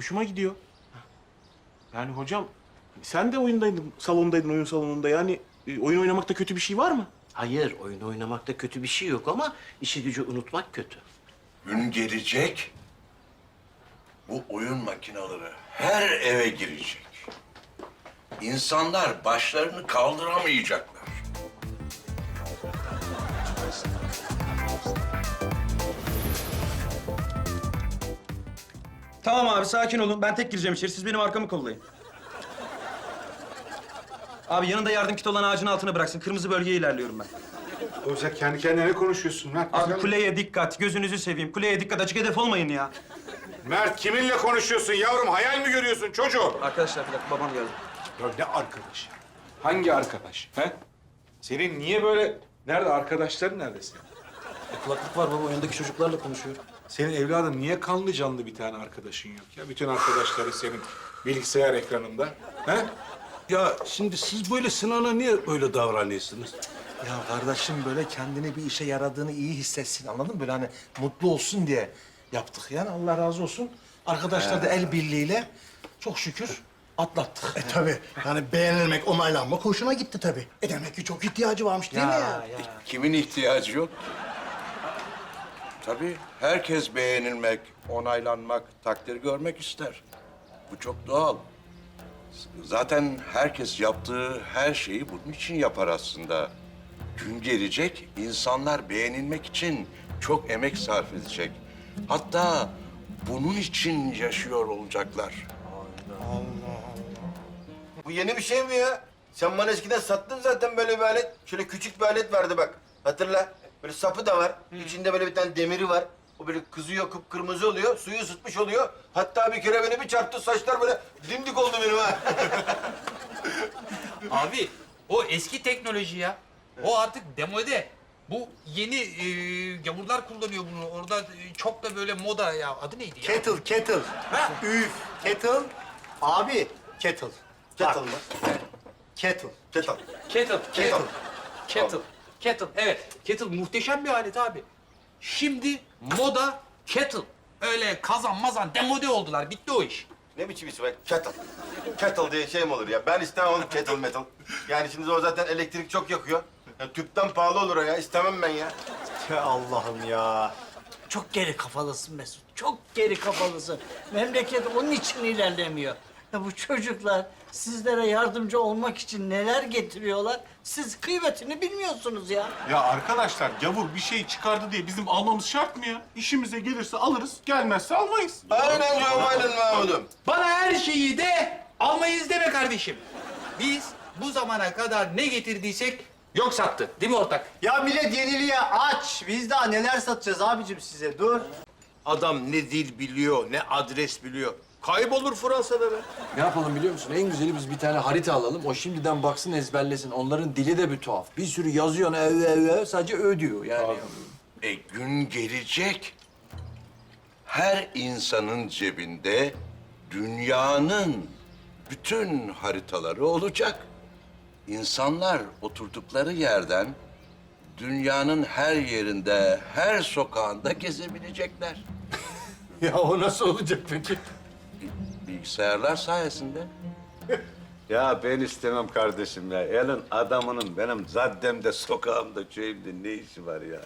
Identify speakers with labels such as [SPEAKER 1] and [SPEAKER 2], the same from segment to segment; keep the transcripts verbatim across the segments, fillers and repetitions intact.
[SPEAKER 1] hoşuma gidiyor. Yani hocam sen de oyundaydın, salondaydın, oyun salonunda. Yani e, oyun oynamakta kötü bir şey var mı?
[SPEAKER 2] Hayır, oyun oynamakta kötü bir şey yok ama işi gücü unutmak kötü.
[SPEAKER 3] Gün gelecek, bu oyun makineleri her eve girecek. İnsanlar başlarını kaldıramayacaklar.
[SPEAKER 4] Tamam abi sakin olun. Ben tek gireceğim içeri. Siz benim arkamı kollayın. Abi yanında yardım kiti olan ağacın altına bıraksın. Kırmızı bölgeye ilerliyorum ben.
[SPEAKER 5] Oğlum sen kendi kendine ne konuşuyorsun Mert?
[SPEAKER 4] Abi
[SPEAKER 5] Güzel.
[SPEAKER 4] kuleye dikkat. Gözünüzü seveyim. Kuleye dikkat. Açık hedef olmayın ya.
[SPEAKER 5] Mert kiminle konuşuyorsun yavrum? Hayal mi görüyorsun çocuğum?
[SPEAKER 4] Arkadaşlar bir dakika babam geldi.
[SPEAKER 5] Ya ne arkadaş? Hangi arkadaş? He? Senin niye böyle... Nerede arkadaşların nerede senin?
[SPEAKER 4] E, kulaklık var baba. Oyundaki çocuklarla konuşuyor.
[SPEAKER 5] Senin evladım niye kanlı canlı bir tane arkadaşın yok ya? Bütün arkadaşları senin bilgisayar ekranında. He?
[SPEAKER 6] Ya şimdi siz böyle Sinan'a niye böyle davranıyorsunuz?
[SPEAKER 7] Ya kardeşim böyle kendini bir işe yaradığını iyi hissetsin anladın mı? Böyle hani mutlu olsun diye yaptık yani Allah razı olsun. Arkadaşlar da el birliğiyle çok şükür atlattık.
[SPEAKER 8] E tabii. Yani beğenilmek, onaylanmak hoşuna gitti tabii. E demek ki çok ihtiyacı varmış değil mi ya?
[SPEAKER 3] Kimin ihtiyacı yok? Tabii herkes beğenilmek, onaylanmak, takdir görmek ister. Bu çok doğal. Zaten herkes yaptığı her şeyi bunun için yapar aslında. Gün gelecek, insanlar beğenilmek için çok emek sarf edecek. Hatta bunun için yaşıyor olacaklar.
[SPEAKER 9] Bu yeni bir şey mi ya? Sen bana eskiden sattın zaten böyle bir alet. Şöyle küçük bir alet vardı bak. Hatırla. Böyle sapı da var. İçinde böyle bir tane demiri var. O böyle kızıyor, kıpkırmızı oluyor. Suyu ısıtmış oluyor. Hatta bir kere beni bir çarptı. Saçlar böyle dimdik oldu benim ha.
[SPEAKER 10] Abi o eski teknoloji ya. O artık demode. Bu yeni e, gavurlar kullanıyor bunu. Orada e, çok da böyle moda ya. Adı neydi ya?
[SPEAKER 8] Kettle, kettle. Üf, kettle. Abi, kettle.
[SPEAKER 9] Kettle mı?
[SPEAKER 8] Kettle.
[SPEAKER 9] Kettle.
[SPEAKER 10] Kettle.
[SPEAKER 8] Kettle.
[SPEAKER 10] Kettle. Kettle. Evet. Kettle muhteşem bir alet abi. Şimdi moda kettle. Öyle kazan mazan demode oldular. Bitti o iş.
[SPEAKER 9] Ne biçim isim be? Kettle. Kettle diye şey mi olur ya? Ben istemem onu kettle metal. Yani şimdi o zaten elektrik çok yakıyor. Ya, tüpten pahalı olur o ya. İstemem ben ya.
[SPEAKER 8] Ya Allah'ım ya. Çok geri kafalısın Mesut. Çok geri kafalısın. Memleket onun için ilerlemiyor. Ya bu çocuklar sizlere yardımcı olmak için neler getiriyorlar? Siz kıymetini bilmiyorsunuz ya.
[SPEAKER 1] Ya arkadaşlar gavur bir şey çıkardı diye bizim almamız şart mı ya? İşimize gelirse alırız, gelmezse almayız.
[SPEAKER 9] Aynen canım, aynen Mahmud'um.
[SPEAKER 10] Bana her şeyi de almayız deme kardeşim. Biz bu zamana kadar ne getirdiysek yok sattı. Değil mi ortak?
[SPEAKER 8] Ya millet yeniliğe aç. Biz daha neler satacağız abicim size? Dur.
[SPEAKER 6] Adam ne dil biliyor, ne adres biliyor. Kaybolur Fransa'da be.
[SPEAKER 11] Ne yapalım biliyor musun? En güzeli biz bir tane harita alalım. O şimdiden baksın ezberlesin. Onların dili de bir tuhaf. Bir sürü yazıyor ev ev ev sadece ö diyor yani.
[SPEAKER 3] E gün gelecek. Her insanın cebinde dünyanın bütün haritaları olacak. İnsanlar oturdukları yerden dünyanın her yerinde, her sokağında gezebilecekler.
[SPEAKER 6] Ya o nasıl olacak peki?
[SPEAKER 3] Bilgisayarlar sayesinde.
[SPEAKER 6] Ya ben istemem kardeşim ya. Elin adamının benim zaddemde, sokağımda, köyümde ne işi var ya?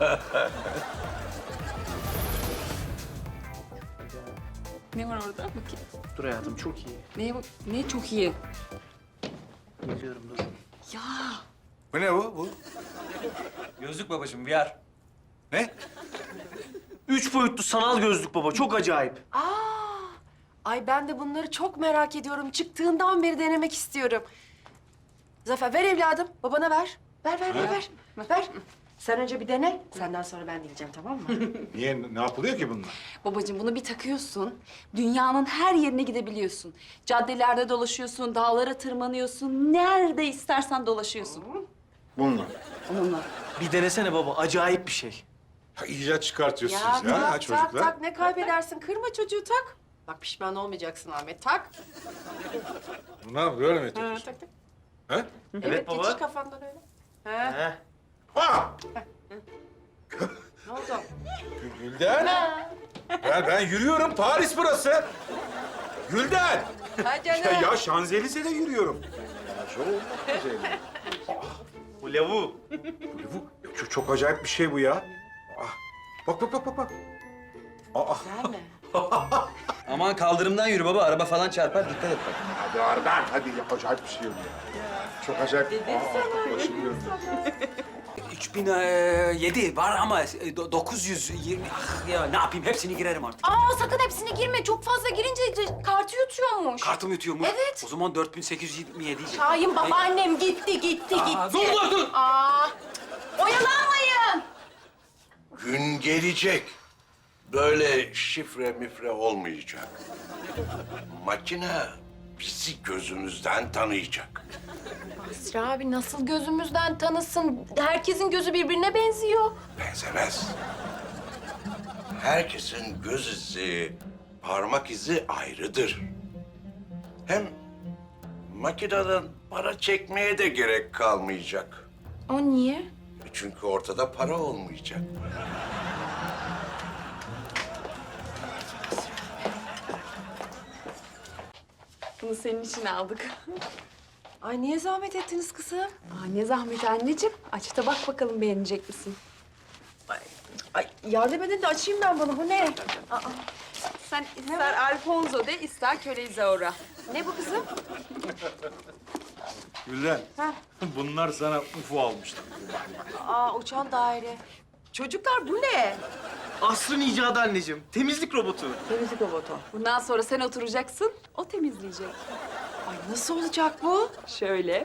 [SPEAKER 12] Ne var orada? Bakayım.
[SPEAKER 4] Dur hayatım çok iyi.
[SPEAKER 12] Neye bak? Ne çok iyi.
[SPEAKER 4] Biliyorum dur.
[SPEAKER 12] Ya
[SPEAKER 5] Bu ne bu? Bu?
[SPEAKER 4] Gözlük babacığım V R.
[SPEAKER 5] Ne?
[SPEAKER 2] Üç boyutlu sanal gözlük baba. Çok acayip.
[SPEAKER 12] aa, ay ben de bunları çok merak ediyorum. Çıktığından beri denemek istiyorum. Zafer ver evladım. Babana ver. Ver ver ver ver. Ver. Sen önce bir dene. Senden sonra ben deneyeceğim tamam mı?
[SPEAKER 5] Niye? Ne yapılıyor ki bunlar?
[SPEAKER 12] Babacığım bunu bir takıyorsun. Dünyanın her yerine gidebiliyorsun. Caddelerde dolaşıyorsun, dağlara tırmanıyorsun. Nerede istersen dolaşıyorsun.
[SPEAKER 8] Bununla.
[SPEAKER 12] Onunla.
[SPEAKER 2] Bir denesene baba. Acayip bir şey.
[SPEAKER 5] Ha, icat çıkartıyorsunuz
[SPEAKER 12] Ya,
[SPEAKER 5] ya,
[SPEAKER 12] tak,
[SPEAKER 5] ha, çocuklar.
[SPEAKER 12] tak tak ne kaybedersin? Kırma çocuğu tak. Bak pişman olmayacaksın Ahmet. Tak.
[SPEAKER 5] Bu ne yapıyor? Böyle mi
[SPEAKER 12] Ha,
[SPEAKER 5] yapıyorsun?
[SPEAKER 12] tak tak.
[SPEAKER 5] He?
[SPEAKER 12] Evet,
[SPEAKER 2] baba.
[SPEAKER 12] geçir kafandan öyle. Ha.
[SPEAKER 2] Heh.
[SPEAKER 5] Ha!
[SPEAKER 12] Ne oldu?
[SPEAKER 5] Gülden. Ben, ben yürüyorum. Paris burası. Gülden!
[SPEAKER 12] Ha
[SPEAKER 5] Ya,
[SPEAKER 12] canım.
[SPEAKER 5] ya Şanzelize'de yürüyorum.
[SPEAKER 4] Bu lavuğu.
[SPEAKER 5] Bu çok, çok acayip bir şey bu ya. Ah, bak bak bak bak bak. Aa,
[SPEAKER 12] Güzel mi?
[SPEAKER 4] Aman kaldırımdan yürü baba. Araba falan çarpar. Dikkat et bak.
[SPEAKER 5] hadi oradan. Hadi ya, acayip bir şey bu ya. Çok acayip. Dedim sana. Başım döndü.
[SPEAKER 11] üç bin yedi var ama e, do- dokuz yüz yirmi. Ah ya ne yapayım hepsini girerim artık.
[SPEAKER 12] Aa sakın hepsine girme. Çok fazla girince kartı yutuyormuş.
[SPEAKER 11] Kartım yutuyor mu?
[SPEAKER 12] Evet.
[SPEAKER 11] O zaman dört bin sekiz yüz yirmi yedi.
[SPEAKER 12] Şahin babaannem gitti, gitti,
[SPEAKER 11] Aa,
[SPEAKER 12] gitti.
[SPEAKER 11] dur, dur, dur.
[SPEAKER 12] Aa, oyalanmayın.
[SPEAKER 3] Gün gelecek. Böyle şifre mifre olmayacak. Makine bizi gözümüzden tanıyacak.
[SPEAKER 12] Basri abi nasıl gözümüzden tanısın? Herkesin gözü birbirine benziyor.
[SPEAKER 3] Benzemez. Herkesin göz izi, parmak izi ayrıdır. Hem makineden para çekmeye de gerek kalmayacak.
[SPEAKER 12] O niye?
[SPEAKER 3] Çünkü ortada para olmayacak.
[SPEAKER 13] Bunu senin için aldık.
[SPEAKER 12] Ay niye zahmet ettiniz kızım?
[SPEAKER 13] Aa, ne zahmet anneciğim. Aç da bak bakalım beğenecek misin?
[SPEAKER 12] Ay yardım edin de açayım ben bunu. Bu ne? Aa,
[SPEAKER 13] Sen ister Alfonso de, ister köle Isaura.
[SPEAKER 12] ne bu kızım?
[SPEAKER 5] Gülden, bunlar sana U F O almıştım.
[SPEAKER 12] Aa uçan daire. Çocuklar bu ne?
[SPEAKER 4] Asrın icadı anneciğim. Temizlik robotu.
[SPEAKER 13] Temizlik robotu. Bundan sonra sen oturacaksın, o temizleyecek.
[SPEAKER 12] Ay nasıl olacak bu?
[SPEAKER 13] Şöyle.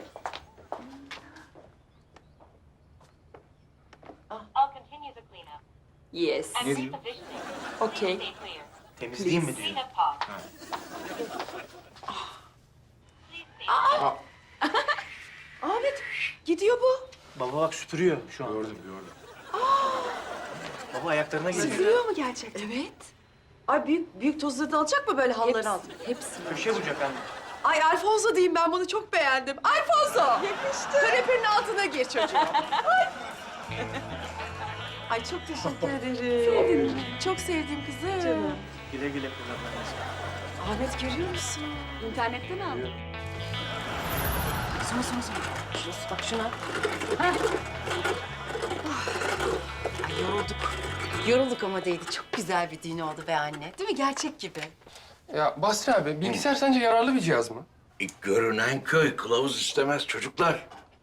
[SPEAKER 13] Yes.
[SPEAKER 5] Ne diyor?
[SPEAKER 13] Okay.
[SPEAKER 4] Temizleyeyim mi diyor.
[SPEAKER 12] Ahmet gidiyor bu.
[SPEAKER 4] Baba bak süpürüyor şu an.
[SPEAKER 5] Gördüm, gördüm.
[SPEAKER 4] Baba ayaklarına geliyor.
[SPEAKER 12] Süpürüyor mu gerçekten? Evet. Ay büyük büyük tozları da alacak mı böyle halıların altına?
[SPEAKER 13] Hepsini.
[SPEAKER 4] Köşe vuracak anne.
[SPEAKER 12] Ay Alfonso diyeyim ben bunu çok beğendim. Alfonso! Yakıştı. Kanepenin altına gir çocuğum. Ay. Ay çok teşekkür ederim. Çok sevdiğim kızım.
[SPEAKER 13] Canım.
[SPEAKER 4] Güle güle kullan anneciğim.
[SPEAKER 12] Ahmet görüyor musun?
[SPEAKER 13] İnternetten aldım.
[SPEAKER 12] Sonra sonra sonra. Şurası bak şuna. Heh. Ah. Ay yorulduk. Yorulduk ama değdi. Çok güzel bir düğün oldu be anne. Değil mi? Gerçek gibi.
[SPEAKER 14] Ya Basri abi, bilgisayar sence yararlı bir cihaz mı?
[SPEAKER 3] E, görünen köy kılavuz istemez çocuklar.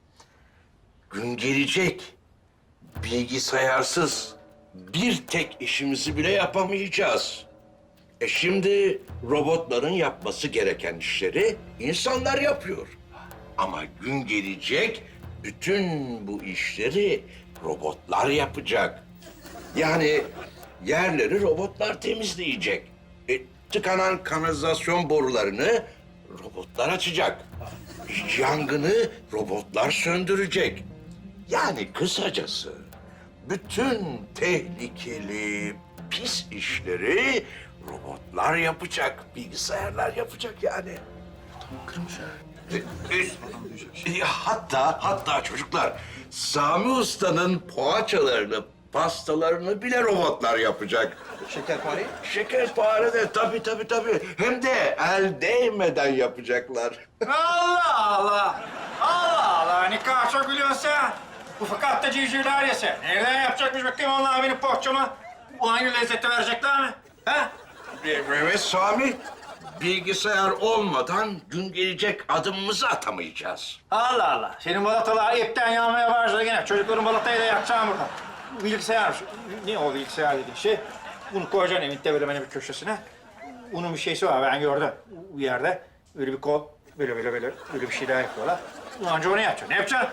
[SPEAKER 3] Gün gelecek. Bilgisayarsız bir tek işimizi bile yapamayacağız. E şimdi robotların yapması gereken işleri insanlar yapıyor. Ama gün gelecek bütün bu işleri robotlar yapacak. Yani yerleri robotlar temizleyecek. E, tıkanan kanalizasyon borularını robotlar açacak. Yangını robotlar söndürecek. Yani kısacası bütün tehlikeli, pis işleri robotlar yapacak, bilgisayarlar yapacak yani.
[SPEAKER 5] Kırmış ha.
[SPEAKER 3] E, e, e, hatta, hatta çocuklar, Sami Usta'nın poğaçalarını, pastalarını bile robotlar yapacak.
[SPEAKER 4] Şekerpare.
[SPEAKER 3] Şekerpare de tabii tabii tabii. Hem de el değmeden yapacaklar.
[SPEAKER 10] Allah Allah! Allah Allah! Ne kadar çok biliyorsun sen. Bu fakat da civcivler yese. Nereden yapacakmış bakayım onlar benim poğaçama? Bu aynı lezzeti verecekler mi? Ha?
[SPEAKER 3] Evet Sami, bilgisayar olmadan gün gelecek adımımızı atamayacağız.
[SPEAKER 10] Allah Allah! Senin balatalar ipten yanmaya başladı gene. Çocukların balatayı da yakacağım burada. Bu bilgisayar, ne o bilgisayar dediğin şey? Bunu koyacaksın evinde böyle benim bir köşesine. Bunun bir şeysi var, ben gördüm bir yerde. Böyle bir kol, böyle böyle böyle, böyle bir şey daha yapıyorlar. Önce onu yapacaksın. Ne yapacaksın?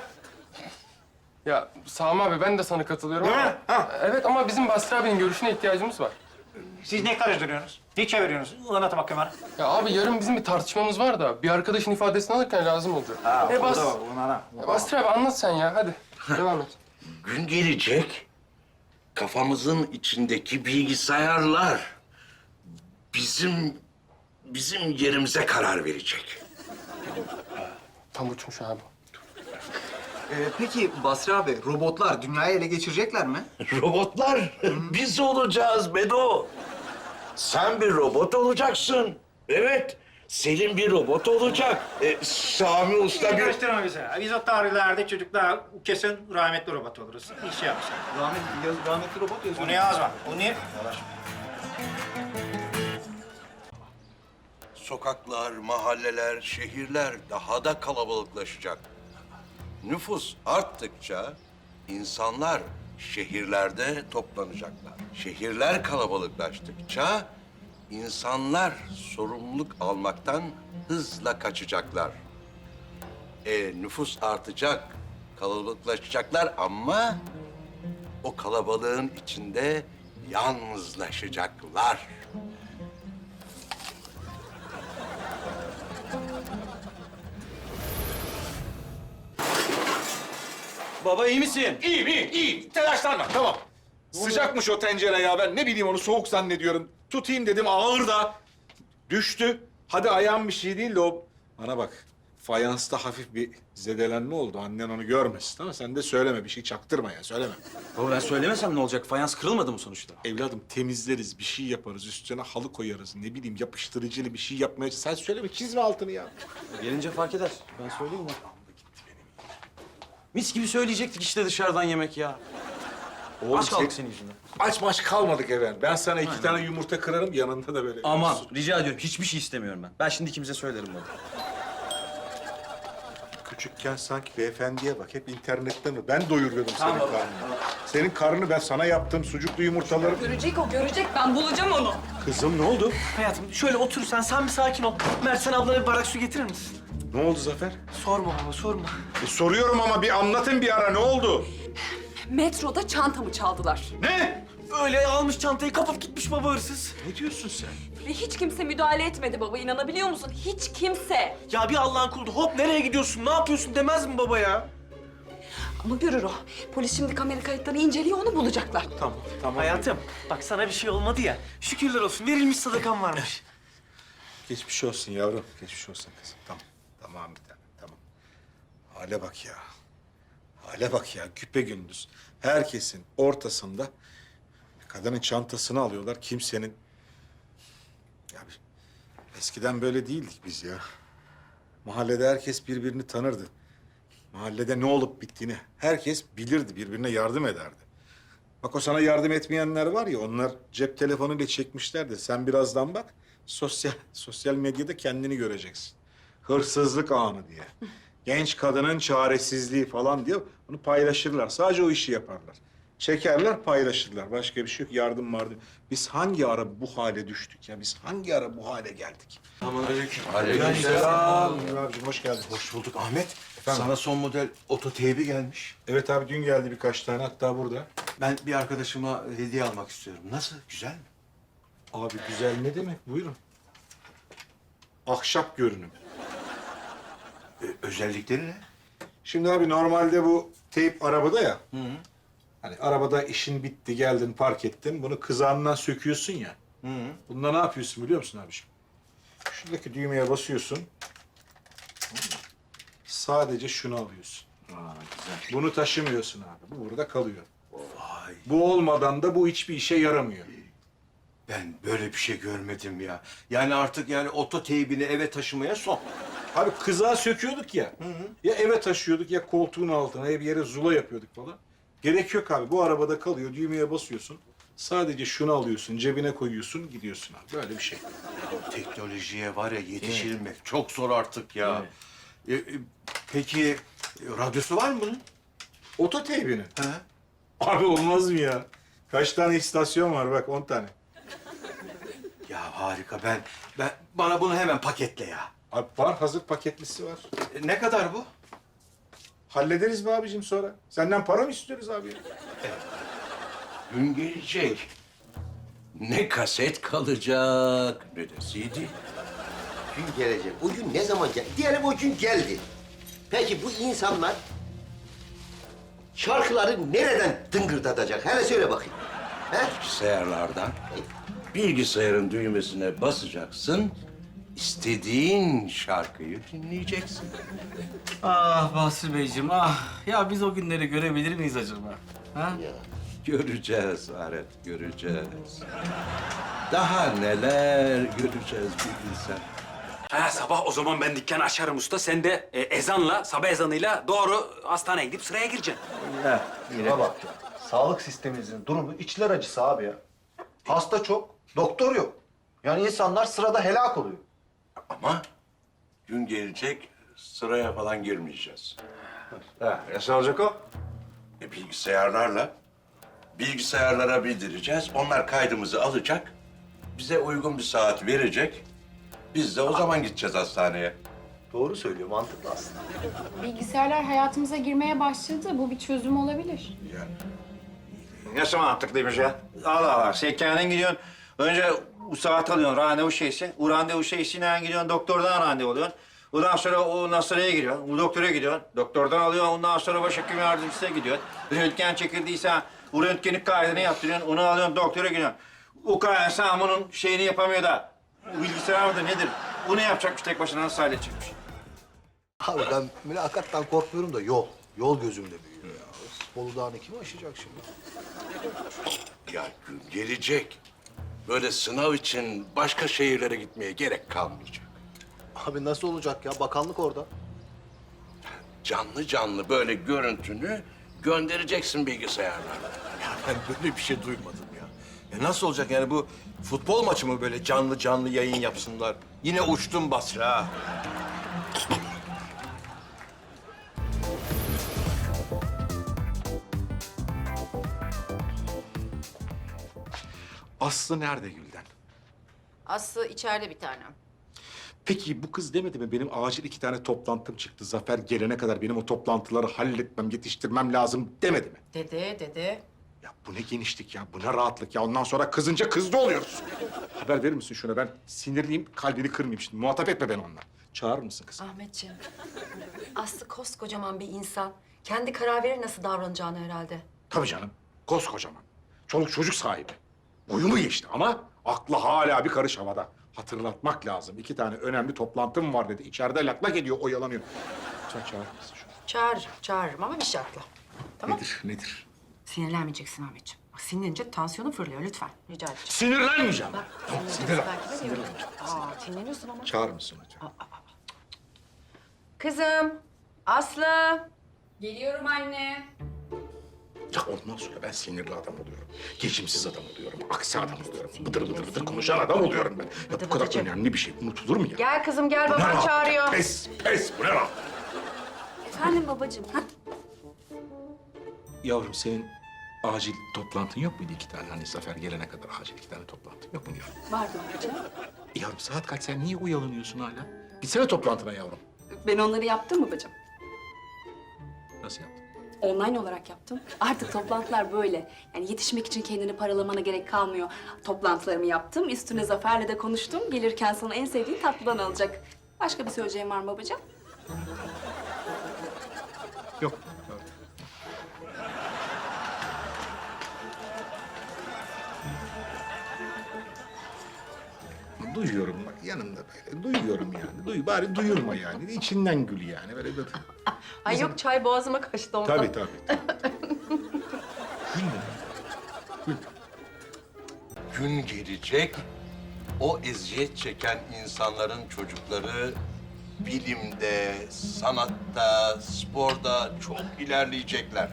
[SPEAKER 14] Ya Sami abi, ben de sana katılıyorum
[SPEAKER 10] Değil
[SPEAKER 14] ama...
[SPEAKER 10] mi? Ha.
[SPEAKER 14] Evet ama bizim Basri abinin görüşüne ihtiyacımız var.
[SPEAKER 10] Siz ne karıştırıyorsunuz? Ne çeviriyorsunuz? Anlatın bakayım bana.
[SPEAKER 14] Ya abi yarın bizim bir tartışmamız var da bir arkadaşın ifadesini alırken lazım olacak.
[SPEAKER 10] Ha,
[SPEAKER 14] E,
[SPEAKER 10] o
[SPEAKER 14] Bas...
[SPEAKER 10] da var, buna da.
[SPEAKER 14] Ya Basri abi anlat sen ya, hadi. Devam et.
[SPEAKER 3] Gün gelecek, kafamızın içindeki bilgisayarlar bizim bizim yerimize karar verecek.
[SPEAKER 14] Tam uçmuş abi.
[SPEAKER 4] Ee, peki Basri abi, robotlar dünyayı ele geçirecekler mi?
[SPEAKER 3] Robotlar biz olacağız Bedo. Sen bir robot olacaksın. Evet, Selim bir robot olacak. E, Sami Usta bir...
[SPEAKER 10] Karıştırma bizi. Biz o tarihlerde çocuklar kesin rahmetli robot oluruz. Bir şey yapsın.
[SPEAKER 4] Rahmetli, yaz, rahmetli robot yazıyor.
[SPEAKER 10] Bunu yazma. Bunu yap.
[SPEAKER 3] Sokaklar, mahalleler, şehirler daha da kalabalıklaşacak. Nüfus arttıkça insanlar şehirlerde toplanacaklar. Şehirler kalabalıklaştıkça insanlar sorumluluk almaktan hızla kaçacaklar. E, nüfus artacak, kalabalıklaşacaklar ama o kalabalığın içinde yalnızlaşacaklar.
[SPEAKER 2] Baba iyi misin?
[SPEAKER 5] İyiyim, iyiyim, iyiyim. Telaşlanma, tamam. Sıcakmış o tencere ya. Ben ne bileyim onu soğuk zannediyorum. Tutayım dedim, ağır da. Düştü. Hadi ayağım bir şey değil de o... Bana bak, fayansta hafif bir zedelenme oldu. Annen onu görmesin, tamam mı? Sen de söyleme, bir şey çaktırma ya, söyleme.
[SPEAKER 2] Baba ben söylemesem ne olacak? Fayans kırılmadı mı sonuçta?
[SPEAKER 5] Evladım temizleriz, bir şey yaparız, üstüne halı koyarız. Ne bileyim yapıştırıcılı bir şey yapmaya... Sen söyleme, çizme altını ya.
[SPEAKER 2] Gelince fark eder. Ben söyleyeyim mi? Mis gibi söyleyecektik işte dışarıdan yemek ya.
[SPEAKER 5] Oğlum,
[SPEAKER 2] Aç kaldık
[SPEAKER 5] sen-
[SPEAKER 2] senin yüzünden.
[SPEAKER 5] Aç maç kalmadık efendim. Ben sana iki tane yumurta kırarım, yanında da böyle...
[SPEAKER 2] Aman rica ediyorum hiçbir şey istemiyorum ben. Ben şimdi ikimize söylerim baba.
[SPEAKER 5] Küçükken sanki beyefendiye bak, hep internette mi? Ben doyuruyordum senin karnını. Senin karnını ben sana yaptım, sucuklu yumurtaları...
[SPEAKER 13] Görecek o, görecek. Ben bulacağım onu.
[SPEAKER 5] Kızım ne oldu?
[SPEAKER 8] Hayatım şöyle otur sen, sen bir sakin ol. Mert sen ablana bir bardak su getirir misin?
[SPEAKER 5] Ne oldu Zafer?
[SPEAKER 8] Sorma baba, sorma.
[SPEAKER 5] E, soruyorum ama bir anlatın bir ara, ne oldu?
[SPEAKER 13] Metroda çantamı çaldılar.
[SPEAKER 5] Ne?
[SPEAKER 8] Öyle almış çantayı kapıp gitmiş baba hırsız.
[SPEAKER 5] Ne diyorsun sen?
[SPEAKER 13] Ve hiç kimse müdahale etmedi baba, inanabiliyor musun? Hiç kimse.
[SPEAKER 8] Ya bir Allah'ın kulu hop nereye gidiyorsun, ne yapıyorsun demez mi baba ya?
[SPEAKER 13] Ama görür o. Polis şimdi kamera kayıtlarını inceliyor, onu bulacaklar.
[SPEAKER 5] Tamam, tamam.
[SPEAKER 8] Hayatım bak sana bir şey olmadı ya. Şükürler olsun verilmiş sadakan varmış.
[SPEAKER 5] Geçmiş olsun yavrum, geçmiş olsun kızım. Tamam, tamam bir tane, tamam. Hale bak ya. Hale bak ya, güpegündüz. Herkesin ortasında kadının çantasını alıyorlar, kimsenin... Ya bir- eskiden böyle değildik biz ya. Mahallede herkes birbirini tanırdı. Mahallede ne olup bittiğini herkes bilirdi, birbirine yardım ederdi. Bak o sana yardım etmeyenler var ya, onlar cep telefonuyla çekmişler de sen birazdan bak, sosyal sosyal medyada kendini göreceksin. Hırsızlık anı diye. Genç kadının çaresizliği falan diye bunu paylaşırlar. Sadece o işi yaparlar. Çekerler, paylaşırlar. Başka bir şey yok. Yardım vardı. Biz hangi ara bu hale düştük ya? Biz hangi ara bu hale geldik?
[SPEAKER 3] Aleykümselam.
[SPEAKER 5] Abicim hoş geldin.
[SPEAKER 3] Hoş bulduk Ahmet.
[SPEAKER 5] Efendim?
[SPEAKER 3] Sana son model ototeybi gelmiş.
[SPEAKER 5] Evet abi dün geldi birkaç tane, hatta burada.
[SPEAKER 3] Ben bir arkadaşıma hediye almak istiyorum. Nasıl? Güzel mi?
[SPEAKER 5] Abi güzel ne demek? Buyurun. Ahşap görünüm.
[SPEAKER 3] Ee, özellikleri ne?
[SPEAKER 5] Şimdi abi normalde bu teyp arabada ya. Hani arabada işin bitti, geldin, park ettin. Bunu kızağından söküyorsun ya. Bunda ne yapıyorsun biliyor musun abiciğim? Şuradaki düğmeye basıyorsun. Sadece şunu alıyorsun.
[SPEAKER 3] Aa, güzel.
[SPEAKER 5] Bunu taşımıyorsun abi. Bu burada kalıyor.
[SPEAKER 3] Vay.
[SPEAKER 5] Bu olmadan da bu hiçbir işe yaramıyor.
[SPEAKER 3] Ben böyle bir şey görmedim ya. Yani artık yani ototeybini eve taşımaya son.
[SPEAKER 5] Abi kızağı söküyorduk ya. Ya eve taşıyorduk ya koltuğun altına ya bir yere zula yapıyorduk falan. Gerek yok abi. Bu arabada kalıyor. Düğmeye basıyorsun. Sadece şunu alıyorsun, cebine koyuyorsun, gidiyorsun abi. Böyle bir şey.
[SPEAKER 3] Teknolojiye var ya yetişilmek çok zor artık ya. E, e, peki e, radyosu var mı bunun?
[SPEAKER 5] Ototeybinin.
[SPEAKER 3] He?
[SPEAKER 5] Abi olmaz mı ya? Kaç tane istasyon var bak, on tane.
[SPEAKER 3] Ya harika. Ben ben bana bunu hemen paketle ya.
[SPEAKER 5] Abi var, hazır paketlisi var.
[SPEAKER 3] E, ne kadar bu?
[SPEAKER 5] Hallederiz be abicim sonra. Senden para mı istiyoruz abi?
[SPEAKER 3] Gün gelecek. Ne kaset kalacak ne de C D.
[SPEAKER 9] Gün gelecek. O gün ne zaman gel? Diyelim o gün geldi. Peki bu insanlar şarkıları nereden tıngırdatacak? Hele söyle bakayım. He?
[SPEAKER 3] Bilgisayarlardan bilgisayarın düğmesine basacaksın. İstediğin şarkıyı dinleyeceksin.
[SPEAKER 8] Ah Basri Beyciğim ah. Ya biz o günleri görebilir miyiz acaba? Ha?
[SPEAKER 3] Göreceğiz Aret, göreceğiz. Daha neler göreceğiz bir bilsen.
[SPEAKER 15] Ha, sabah o zaman ben dükkanı açarım usta. Sen de e, ezanla, sabah ezanıyla doğru hastaneye gidip sıraya gireceksin.
[SPEAKER 4] Şuna bak ya. Sağlık sistemimizin durumu içler acısı abi ya. Hasta çok, doktor yok. Yani insanlar sırada helak oluyor.
[SPEAKER 3] Ama gün gelecek sıraya falan girmeyeceğiz.
[SPEAKER 10] Ha, nasıl olacak o?
[SPEAKER 3] E, bilgisayarlarla. Bilgisayarlara bildireceğiz. Onlar kaydımızı alacak. Bize uygun bir saat verecek. Biz de o zaman gideceğiz hastaneye.
[SPEAKER 4] Doğru söylüyor, mantıklı aslında.
[SPEAKER 16] Bilgisayarlar hayatımıza girmeye başladı. Bu bir çözüm olabilir.
[SPEAKER 10] Nasıl mantıklıymış ya? Allah Allah, sen kendin gidiyorsun. Önce o saat alıyorsun, randevu şeysi. O randevu şeysiyle gidiyorsun, doktordan randevu alıyorsun. Ondan sonra o hastaneye gidiyorsun, o doktora gidiyorsun. Doktordan alıyorsun, ondan sonra başhekim yardımcısına gidiyorsun. Röntgen çekildiyse o röntgenin kaydını yaptırıyorsun, onu alıyorsun, doktora gidiyorsun. O kaydı sen bunun şeyini yapamıyor da. O bilgisayar mıdır nedir? Bunu yapacakmış tek başına, nasıl halledecekmiş?
[SPEAKER 4] Abi ben mülakattan korkmuyorum da yol. Yol gözümde büyüyor ya. Bolu Dağı'nı kim aşacak şimdi?
[SPEAKER 3] Ya gün gelecek. Böyle sınav için başka şehirlere gitmeye gerek kalmayacak.
[SPEAKER 4] Abi nasıl olacak ya? Bakanlık orada.
[SPEAKER 3] Canlı canlı böyle görüntünü göndereceksin bilgisayarlarla.
[SPEAKER 9] Ya ben böyle bir şey duymadım ya. Ya nasıl olacak yani bu futbol maçı mı böyle canlı canlı yayın yapsınlar? Yine uçtum Basri ha.
[SPEAKER 5] Aslı nerede Gülden?
[SPEAKER 12] Aslı içeride bir tanem.
[SPEAKER 5] Peki bu kız demedi mi benim acil iki tane toplantım çıktı. Zafer gelene kadar benim o toplantıları halletmem, yetiştirmem lazım demedi mi?
[SPEAKER 12] Dede, dede.
[SPEAKER 5] Ya bu ne genişlik ya, bu ne rahatlık ya. Ondan sonra kızınca kızdı oluyoruz. Haber verir misin şuna? Ben sinirliyim, kalbini kırmayayım şimdi. Muhatap etme beni onunla. Çağırır mısın kızım?
[SPEAKER 12] Ahmetciğim, Aslı koskocaman bir insan. Kendi karar verir nasıl davranacağını herhalde.
[SPEAKER 5] Tabii canım, koskocaman. Çoluk çocuk sahibi. Boyu mu geçti ama aklı hala bir karış havada. Hatırlatmak lazım. İki tane önemli toplantım var dedi. İçeride lak lak ediyor, oyalanıyor. Sen çağırır mısın şunu?
[SPEAKER 12] Çağırırım, çağırırım ama bir şartla. Tamam.
[SPEAKER 5] Nedir, nedir?
[SPEAKER 12] Sinirlenmeyeceksin Ahmetciğim. Bak sinirlenince tansiyonun fırlıyor lütfen. Rica edeceğim.
[SPEAKER 5] Sinirlenmeyeceğim.
[SPEAKER 12] Bak,
[SPEAKER 5] Tamam,
[SPEAKER 12] sinirlen.
[SPEAKER 5] sinirlen. Sinirlen.
[SPEAKER 12] Aa, sinirleniyorsun ama.
[SPEAKER 5] Çağırır mısın hocam?
[SPEAKER 12] Kızım, Aslı.
[SPEAKER 16] Geliyorum anne.
[SPEAKER 5] Ya ondan sonra ben sinirli adam oluyorum. Geçimsiz adam oluyorum. Aksi adam oluyorum. Bıdır bıdır bıdır konuşan adam oluyorum ben. Ya bu kadar önemli bir şey unutulur mu ya?
[SPEAKER 12] Gel kızım gel,
[SPEAKER 5] Bu ne
[SPEAKER 12] baban
[SPEAKER 5] rahat?
[SPEAKER 12] çağırıyor.
[SPEAKER 5] Pes, pes. Bu ne rahat?
[SPEAKER 13] Efendim babacığım. Ha?
[SPEAKER 5] Yavrum senin acil toplantın yok muydu iki tane? Hani Zafer gelene kadar acil iki tane toplantın yok mu yavrum?
[SPEAKER 13] Vardı babacığım.
[SPEAKER 5] Yavrum saat kaç? Sen niye uyanıyorsun hala? Gitsene toplantına yavrum.
[SPEAKER 13] Ben onları yaptım babacığım.
[SPEAKER 5] Nasıl yaptın?
[SPEAKER 13] Online olarak yaptım. Artık toplantılar böyle. Yani yetişmek için kendini paralamana gerek kalmıyor. Toplantılarımı yaptım. Üstüne Zafer'le de konuştum. Gelirken sana en sevdiğin tatlıdan alacak. Başka bir söyleyeceğim var mı babacığım?
[SPEAKER 5] Yok. Duyuyorum bak yanımda böyle. Duyuyorum yani. Duy, bari duyurma yani. İçinden gül yani. Böyle bir...
[SPEAKER 12] Ay yok çay boğazıma kaçtı ondan.
[SPEAKER 5] Tabii tabii. tabii.
[SPEAKER 3] Gün gelecek, o eziyet çeken insanların çocukları bilimde, sanatta, sporda çok ilerleyecekler.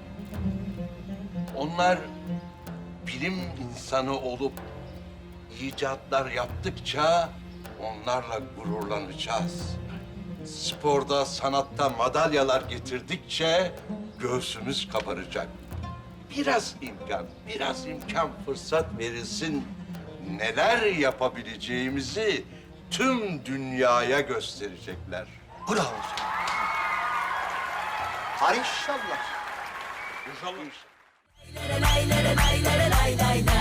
[SPEAKER 3] Onlar bilim insanı olup icatlar yaptıkça onlarla gururlanacağız. Sporda, sanatta madalyalar getirdikçe göğsümüz kabaracak. Biraz imkan, biraz imkan fırsat verilsin. Neler yapabileceğimizi tüm dünyaya gösterecekler.
[SPEAKER 4] Bravo. Hay inşallah.
[SPEAKER 3] İnşallah.